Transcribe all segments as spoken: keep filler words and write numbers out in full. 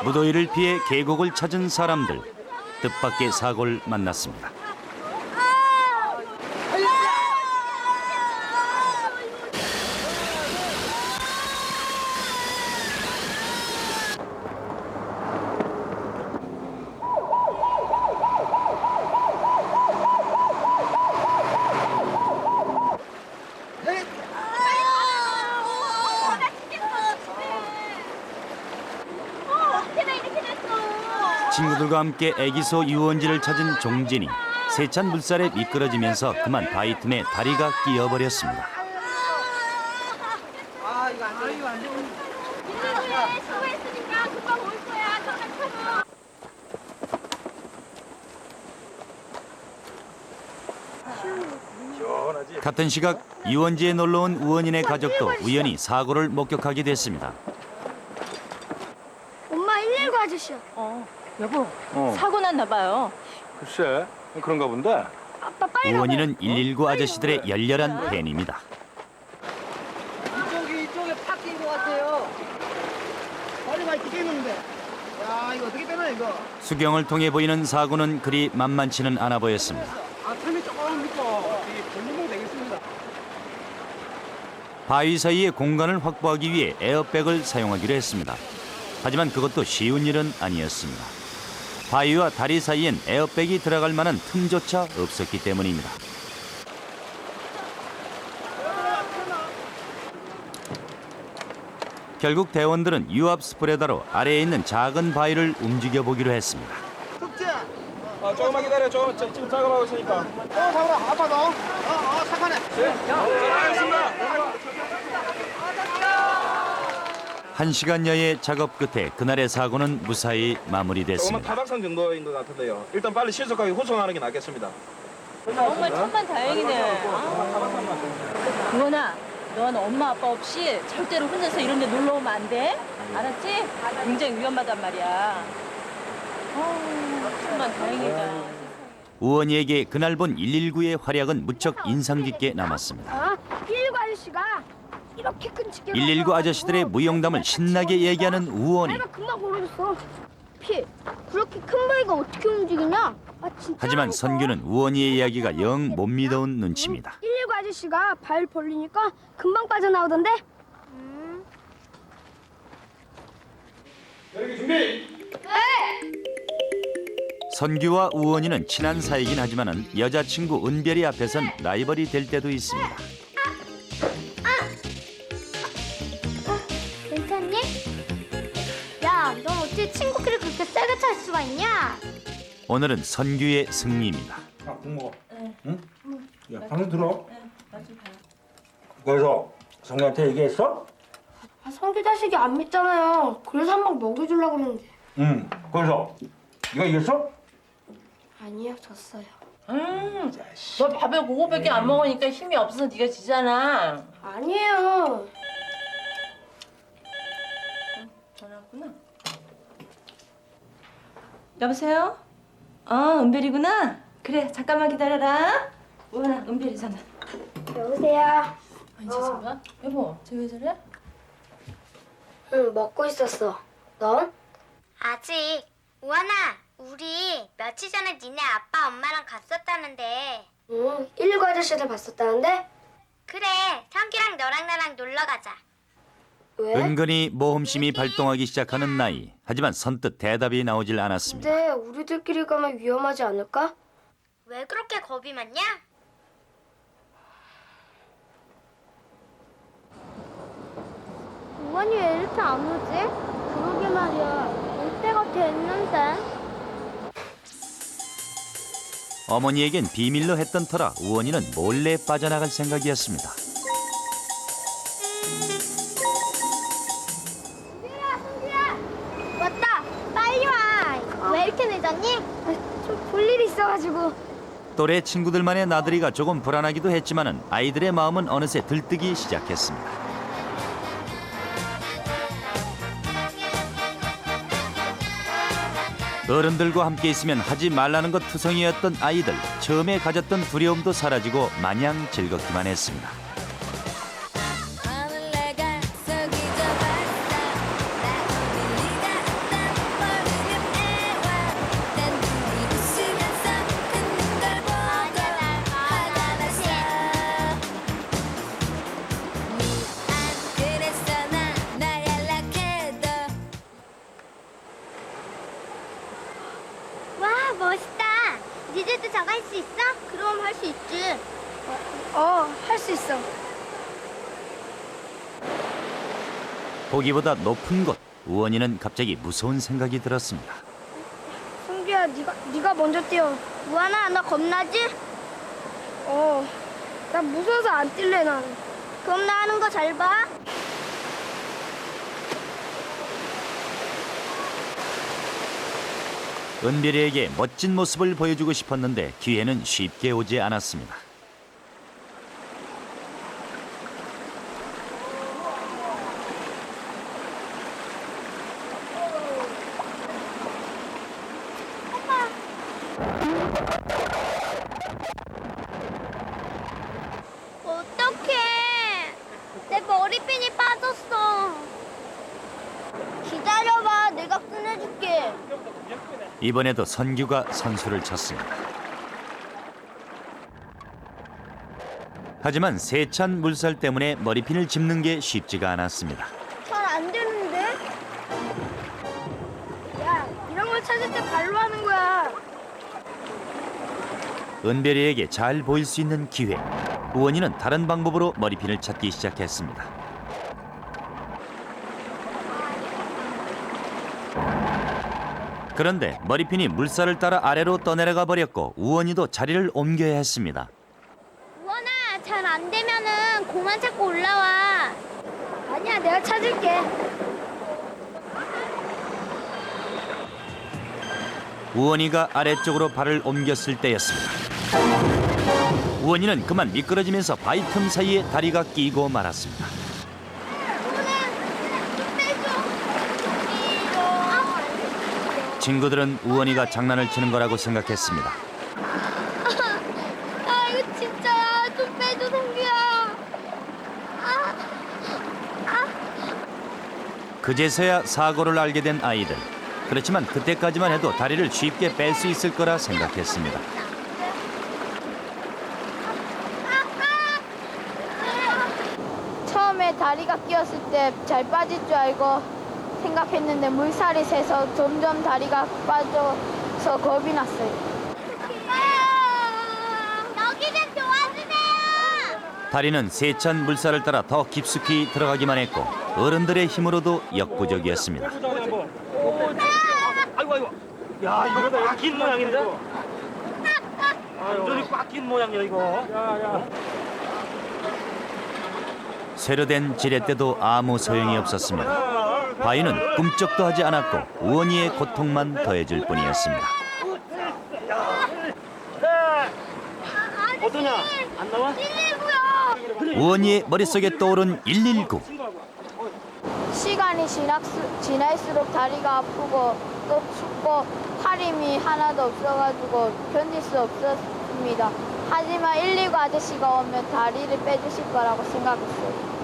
무더위를 피해 계곡을 찾은 사람들. 뜻밖의 사고를 만났습니다. 친구들과 함께 애기소 유원지를 찾은 종진이 세찬 물살에 미끄러지면서 그만 바위 틈에 다리가 끼어버렸습니다. 아 이거 안 돼. 이거 안 돼. 수고했으니까 금방 올 거야. 너 시원하지? 같은 시각 유원지에 놀러온 우원인의 가족도 우연히 사고를 목격하게 됐습니다. 엄마 일일구 아저씨야. 어, 여보, 어. 사고 났나 봐요. 글쎄 그런가 본데. 아빠 빨리 가봐. 우원이는 일일구 아저씨들의 열렬한 팬입니다. 이쪽이 이쪽에 팍 낀 것 같아요. 머리 많이 끼게 있는데. 야 이거 어떻게 되나 이거? 수경을 통해 보이는 사고는 그리 만만치는 않아 보였습니다. 아 틈이 조금 있고 볼륨은 되겠습니다. 바위 사이에 공간을 확보하기 위해 에어백을 사용하기로 했습니다. 하지만 그것도 쉬운 일은 아니었습니다. 바위와 다리 사이엔 에어백이 들어갈 만한 틈조차 없었기 때문입니다. 결국 대원들은 유압 스프레더로 아래에 있는 작은 바위를 움직여 보기로 했습니다. 춥지? 아 조금만 기다려. 조금 저- 지금 작업하고 있으니까. 또 잡으러 아파도. 어어 착하네. 한 시간여의 작업 끝에 그날의 사고는 무사히 조금만 마무리됐습니다. 타박상 정도인 것 같은데요. 일단 빨리 신속하게 후송하는 게 낫겠습니다. 정말 천만 다행이네. 아. 우원아, 넌 엄마 아빠 없이 절대로 혼자서 이런 데 놀러 오면 안 돼. 알았지? 굉장히 위험하단 말이야. 아, 천만 다행이다. 우원이에게 그날 본 일일구의 활약은 무척 인상 깊게 남았습니다. 아, 일일구 아저씨가 이렇게 끈질게. 일일구 아저씨들의 무용담을 신나게 얘기하는 우원이. 내가 금방 고르겠어. 피, 그렇게 큰 바위가 어떻게 움직이냐? 아 진짜. 하지만 선규는 우원이의 이야기가 영 못 믿어온 눈치입니다. 일일구 아저씨가 발 벌리니까 금방 빠져나오던데. 음. 여기 준비. 선규와 우원이는 친한 사이긴 하지만은 여자친구 은별이 앞에선 라이벌이 될 때도 있습니다. 괜찮니? 야, 넌 어떻게 친구끼리 그렇게 세게 찰 수가 있냐? 오늘은 선규의 승리입니다. 아, 국 먹어. 응? 야, 방금 들어. 그래서 성규한테 얘기했어? 아, 성규 자식이 안 믿잖아요. 그래서 한 방 먹여주려고 그러는데. 응. 그래서 네가 이겼어? 아니요, 졌어요. 음, 너 밥을 그거밖에 안 먹으니까 힘이 없어서 네가 지잖아. 아니에요. 전화 왔구나. 여보세요? 어, 은별이구나. 그래, 잠깐만 기다려라. 우원아, 은별이 전화. 여보세요. 아니, 잠깐만. 여보, 쟤 왜 저래? 응, 먹고 있었어. 넌? 아직. 우원아, 우리 며칠 전에 니네 아빠 엄마랑 갔었다는데. 응, 일일구 아저씨들 봤었다는데? 그래, 성기랑 너랑 나랑 놀러 가자. 왜? 은근히 모험심이 발동하기 시작하는 나이. 하지만 선뜻 대답이 나오질 않았습니다. 근데 우리들끼리 가면 위험하지 않을까? 왜 그렇게 겁이 많냐? 우원이 왜 이렇게 안 오지? 그러게 말이야. 올 때가 됐는데. 어머니에겐 비밀로 했던 터라 우원이는 몰래 빠져나갈 생각이었습니다. 승규야, 승규야! 왔다! 빨리 와! 왜 이렇게 늦었니? 좀 볼 일이 있어가지고. 또래 친구들만의 나들이가 조금 불안하기도 했지만은 아이들의 마음은 어느새 들뜨기 시작했습니다. 어른들과 함께 있으면 하지 말라는 것 투성이었던 아이들. 처음에 가졌던 두려움도 사라지고 마냥 즐겁기만 했습니다. 어, 할 수 있어. 보기보다 높은 곳, 우원이는 갑자기 무서운 생각이 들었습니다. 성규야, 네가 네가 먼저 뛰어. 우원아, 너 겁나지? 어, 나 무서워서 안 뛸래 난. 그럼 나 하는 거 잘 봐. 은별이에게 멋진 모습을 보여주고 싶었는데 기회는 쉽게 오지 않았습니다. 어떡해. 내 머리핀이 빠졌어. 기다려봐. 내가 꺼내줄게. 이번에도 선규가 선수를 쳤습니다. 하지만 세찬 물살 때문에 머리핀을 짚는 게 쉽지가 않았습니다. 잘 안 되는데? 야, 이런 걸 찾을 때 발로 하는 거야. 은별이에게 잘 보일 수 있는 기회. 우원이는 다른 방법으로 머리핀을 찾기 시작했습니다. 그런데 머리핀이 물살을 따라 아래로 떠내려가 버렸고 우원이도 자리를 옮겨야 했습니다. 우원아, 잘 안 되면은 고만 찾고 올라와. 아니야, 내가 찾을게. 우원이가 아래쪽으로 발을 옮겼을 때였습니다. 우원이는 그만 미끄러지면서 바위 틈 사이에 다리가 끼고 말았습니다. 친구들은 우원이가 장난을 치는 거라고 생각했습니다. 아, 이거 진짜야. 좀 빼줘, 성규야. 아, 아. 그제서야 사고를 알게 된 아이들. 그렇지만 그때까지만 해도 다리를 쉽게 뺄 수 있을 거라 생각했습니다. 처음에 다리가 끼었을 때 잘 빠질 줄 알고 생각했는데 물살이 세서 점점 다리가 빠져서 겁이 났어요. 여기 좀 도와주세요. 다리는 세찬 물살을 따라 더 깊숙이 들어가기만 했고 어른들의 힘으로도 역부족이었습니다. 아이고 아이고. 야 이거 꽉 낀 모양인데? 완전히 꽉 낀 모양이야 이거. 야야. 새로 된 지렛대도 아무 소용이 없었습니다. 바위는 꿈쩍도 하지 않았고 우원이의 고통만 더해줄 뿐이었습니다. 어떠냐? 안 나와? 우원이의 머릿속에 떠오른 일일구. 시간이 지날수, 지날수록 다리가 아프고 또 춥고 팔 힘이 하나도 없어가지고 견딜 수 없었습니다. 하지만 일일구 아저씨가 오면 다리를 빼주실 거라고 생각했어요.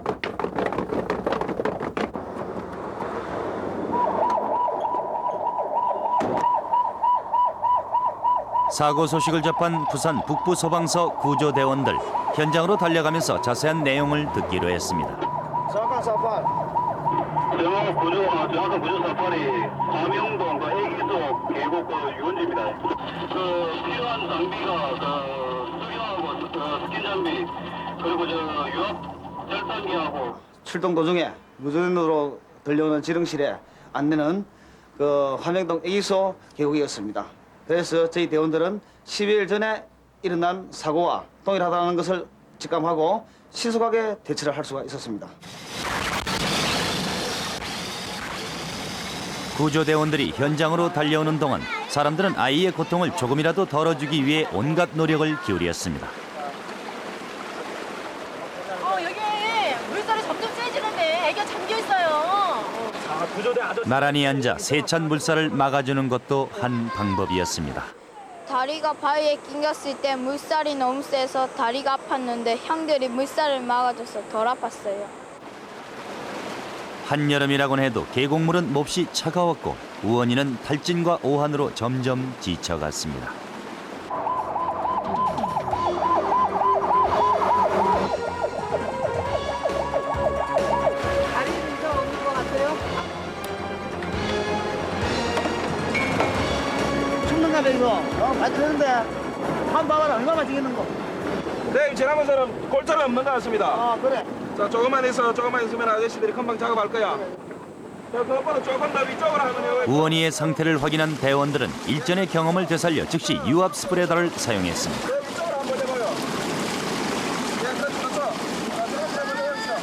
사고 소식을 접한 부산 북부소방서 구조대원들 현장으로 달려가면서 자세한 내용을 듣기로 했습니다. 사건 사건. 정확 구조, 정확한 구조 사건이 화명동 그 애기소 계곡 그 유원지입니다. 그 필요한 장비가 그 수경하고 그 스킨 장비 그리고 저 유압 절단기하고 출동 도중에 무전으로 들려오는 지령실에 안내는 그 화명동 애기소 계곡이었습니다. 그래서 저희 대원들은 십이 일 전에 일어난 사고와 동일하다는 것을 직감하고 신속하게 대처를 할 수가 있었습니다. 구조대원들이 현장으로 달려오는 동안 사람들은 아이의 고통을 조금이라도 덜어주기 위해 온갖 노력을 기울였습니다. 어, 여기 물살이 점점 세지는데 애기가 잠겨 있어요. 나란히 앉아 세찬 물살을 막아주는 것도 한 방법이었습니다. 다리가 바위에 낑겼을 때 물살이 너무 세서 다리가 아팠는데 형들이 물살을 막아줘서 덜 아팠어요. 한여름이라곤 해도 계곡물은 몹시 차가웠고 우원이는 탈진과 오한으로 점점 지쳐갔습니다. 다리는 이상 없는 것 같아요? 춥는가 봐 이거. 어, 많이 크는데. 한번 봐봐라 얼마나 지겠는 거. 네, 지나면서는 골자는 없는 것 같습니다. 아 그래. 자, 조금만 있어, 조금만 있으면 아저씨들이 금방 작업할 거야. 자, 그것보다 조금 더 위쪽으로 하면 우원이의 상태를 확인한 대원들은 일전의 경험을 되살려 즉시 유압 스프레더를 사용했습니다. 네, 위쪽으로 한번 해봐요. 예, 그렇지, 그렇죠. 자, 그렇게 한번 해보시죠.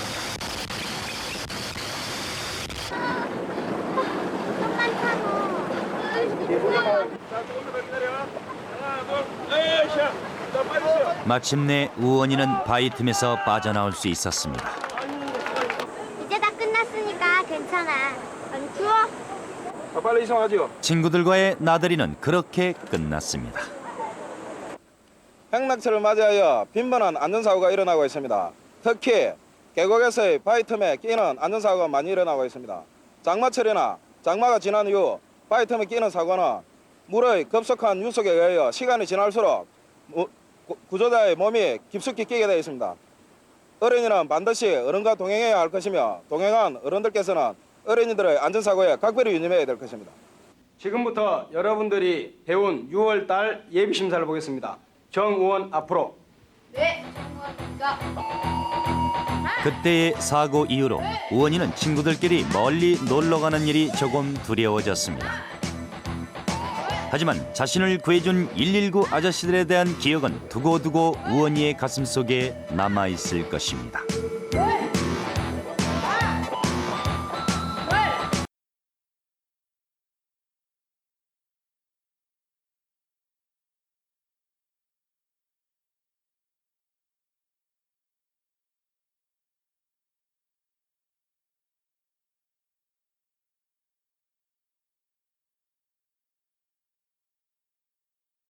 자, 조금 더 기다려. 하나, 둘, 에이, 샷. 자, 빨리 쉬어. 마침내 우원이는 바위 틈에서 빠져나올 수 있었습니다. 이제 다 끝났으니까 괜찮아. 안 추워? 자, 빨리 이송하지요. 친구들과의 나들이는 그렇게 끝났습니다. 행락철을 맞이하여 빈번한 안전사고가 일어나고 있습니다. 특히 계곡에서의 바위 틈에 끼는 안전사고가 많이 일어나고 있습니다. 장마철이나 장마가 지난 이후 바위 틈에 끼는 사고는 물의 급속한 유속에 의하여 시간이 지날수록 무- 구- 구조자의 몸이 깊숙이 끼게 되어 있습니다. 어린이는 반드시 어른과 동행해야 할 것이며 동행한 어른들께서는 어린이들의 안전사고에 각별히 유념해야 될 것입니다. 지금부터 여러분들이 배운 유월달 예비심사를 보겠습니다. 정우원 앞으로. 네, 성공합니다. 그때의 사고 이후로 우원이는 친구들끼리 멀리 놀러 가는 일이 조금 두려워졌습니다. 하지만 자신을 구해준 일일구 아저씨들에 대한 기억은 두고두고 우원이의 가슴 속에 남아있을 것입니다.